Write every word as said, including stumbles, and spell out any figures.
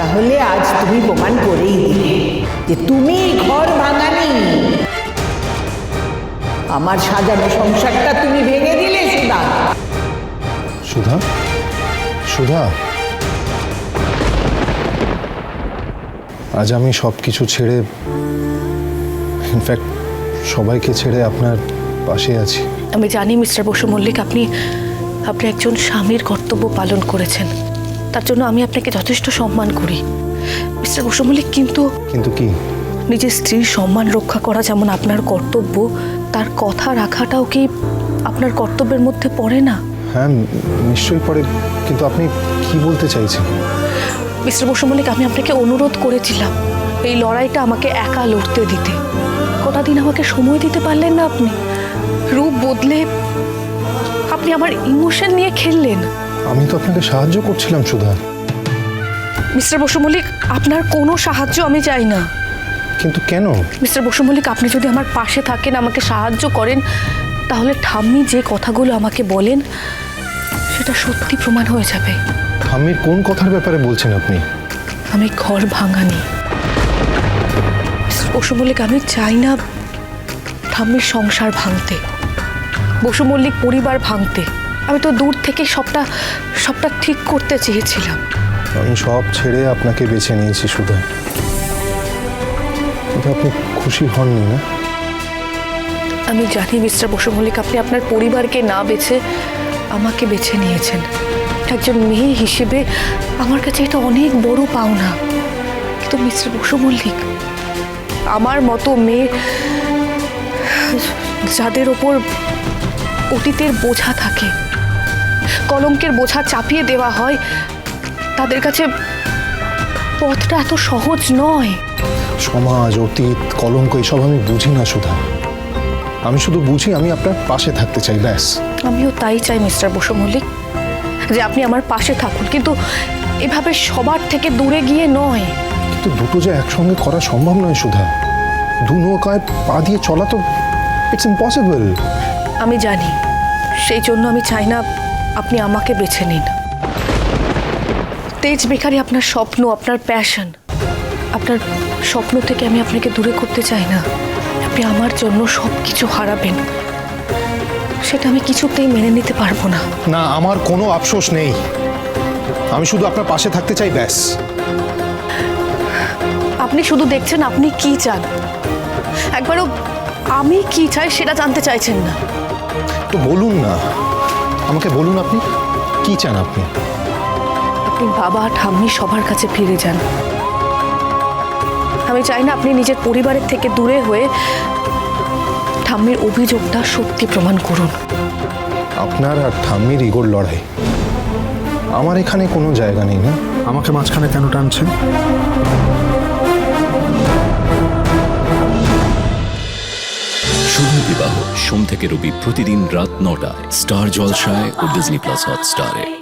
তাহলে আজ তুমি প্রমাণ করেই দিলে যে তুমি ঘর ভাঙানি। আমার সাজানো সংসারটা তুমি ভেঙে দিলে সুধা। সুধা? সুধা, আজ আমি সব কিছু ছেড়ে, ইনফ্যাক্ট সবাইকে ছেড়ে আপনার পাশে আছি। আমি জানি মিস্টার বসু মল্লিক, আপনি আপনি একজন স্বামীর কর্তব্য পালন করেছেন, তার জন্য আমি আপনাকে যথেষ্ট সম্মান করি মিস্টার বসু মল্লিক। কিন্তু কিন্তু কি? নিজের স্ত্রীর সম্মান রক্ষা করা যেমন আপনার কর্তব্য, তার কথা রাখাটাও কি আপনার কর্তব্যের মধ্যে পড়ে না? হ্যাঁ, নিশ্চয়ই পড়ে, কিন্তু আপনি কি বলতে চাইছেন? মিস্টার বসু মল্লিক, আমি আপনাকে অনুরোধ করেছিলাম এই লড়াইটা আমাকে একা লড়তে দিতে। কটা দিন আমাকে সময় দিতে পারলেন না আপনি? রূপ বদলে আপনি আমার ইমোশন নিয়ে খেললেন। আমি তো আপনাকে সাহায্য করছিলাম সুধা। মিস্টার বসু মল্লিক, আপনার কোনো সাহায্য আমি চাই না। কিন্তু কেন? মিস্টার বসু মল্লিক, আপনি যদি আমার পাশে থাকেন, আমাকে সাহায্য করেন, তাহলে ঠাম্মি যে কথাগুলো আমাকে বলেন সেটা সত্যি প্রমাণ হয়ে যাবে। ঠাম্মির কোন কথার ব্যাপারে বলছেন আপনি? আমি ঘর ভাঙানি মিস্টার বসু মল্লিক। আমি চাই না ঠাম্মির সংসার ভাঙতে, বসু মল্লিক পরিবার ভাঙতে। আমি তো দূর থেকে সবটা সবটা ঠিক করতে চেয়েছিলাম। আমি সব ছেড়ে আপনাকে বেছে নিয়েছি সুধা, কিন্তু আপনি খুশি হননি না? আমি জানি মিস্টার বসু মল্লিক, আপনি আপনার পরিবারকে না বেছে আমাকে বেছে নিয়েছেন। একজন মেয়ে হিসেবে আমার কাছে এটা অনেক বড় পাওনা। কিন্তু মিস্টার বসু মল্লিক, আমার মতো মেয়ে যাদের ওপর অতীতের বোঝা থাকে, কলঙ্কের বোঝা চাপিয়ে দেওয়া হয়, তাদের কাছে পথটা এত সহজ নয়। সমাজ, অতীত, কলঙ্ক এসব আমি বুঝি না সুধা। আমি শুধু বুঝি আমি আপনার পাশে থাকতে চাই, ব্যাস। আমিও তাই চাই মিস্টার বসু মল্লিক, যে আপনি আমার পাশে থাকুন, কিন্তু এভাবে সবার থেকে দূরে গিয়ে নয়। কিন্তু দুটো যে একসঙ্গে করা সম্ভব নয় সুধা। দু নৌকায় পা দিয়ে চলা তো ইটস ইম্পসিবল। আমি জানি, সেই জন্য আমি চাই না আপনি আমাকে বেছে নিন। তেজ বেকারি আপনার স্বপ্ন, আপনার প্যাশন। আপনার স্বপ্ন থেকে আমি আপনাকে দূরে করতে চাই না। আপনি আমার জন্য সব কিছু হারাবেন, সেটা আমি কিছুতেই মেনে নিতে পারবো না। না, আমার কোনো আফসোস নেই। আমি শুধু আপনার পাশে থাকতে চাই, ব্যাস। আপনি শুধু দেখছেন আপনি কি চান, একবারও আমি কি চাই সেটা জানতে চাইছেন না। তো বলুন না, আমাকে বলুন আপনি কি চান। আপনি আপনি বাবা ঠাম্মি সবার কাছে ফিরে যান। আমি চাই না আপনি নিজের পরিবারের থেকে দূরে হয়ে ঠাম্মির অভিযোগটা সত্যি প্রমাণ করুন। আপনার আর ঠাম্মির ইগোর লড়াই, আমার এখানে কোনো জায়গা নেই। না, আমাকে মাঝখানে কেন টানছেন? শুভ বিবাহ সোম থেকে রবি প্রতিদিন রাত নটায় স্টার জলসায় ও ডিজনি প্লাস হটস্টারে।